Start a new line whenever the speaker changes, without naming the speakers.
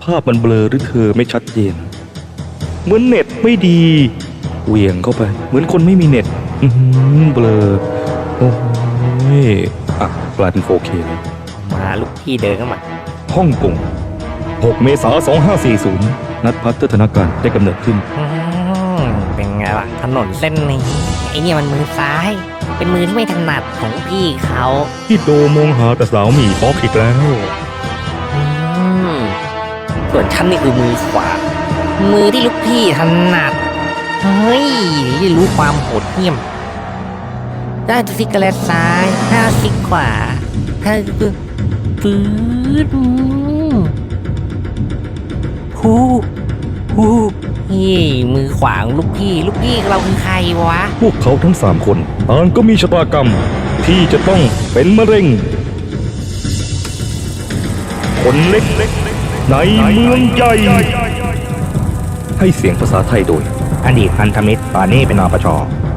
ภาพมันเบลอหรือเธอไม่ชัดเจนเหมือนเน็ตไม่ดีเหวี่ยงเข้าไปเหมือนคนไม่มีเน็ตเบลอโอ้ยอ่ะกลายเป็น 4K เลย
มาลูกพี่เดินเข้ามา
ฮ่องกง 6 เมษายน 2540 นัดพัฒนาการได้กำเนิดขึ้น
เป็นไงล่ะถนนเส้นนี้ไอเนี่ยมันมือซ้าย เป็นมือที่ไม่ถนัดของพี่เขา
พี่โดมองหาแต่สาวหมี่ป๊อกอีกแล้ว
อืมส่วนฉันนี่คือมือขวา มือที่ลูกพี่ถนัดเฮ้ยได้รู้ความโหดเหี้ยมได้ซิกเกอร์เลตซ้ายห้าซิกขวาห้าปื๊ดฮูเฮ้ยมือขวาของลูกพี่เราคือใครวะ
พวกเขาทั้ง 3 คนต่างก็มีชะตากรรม ที่จะต้องเป็นมะเร็ง คนเล็กในเมืองใหญ่ ให้เสียงภาษาไทยโดย อดีตพันธมิตรปาเน่เป็นนปช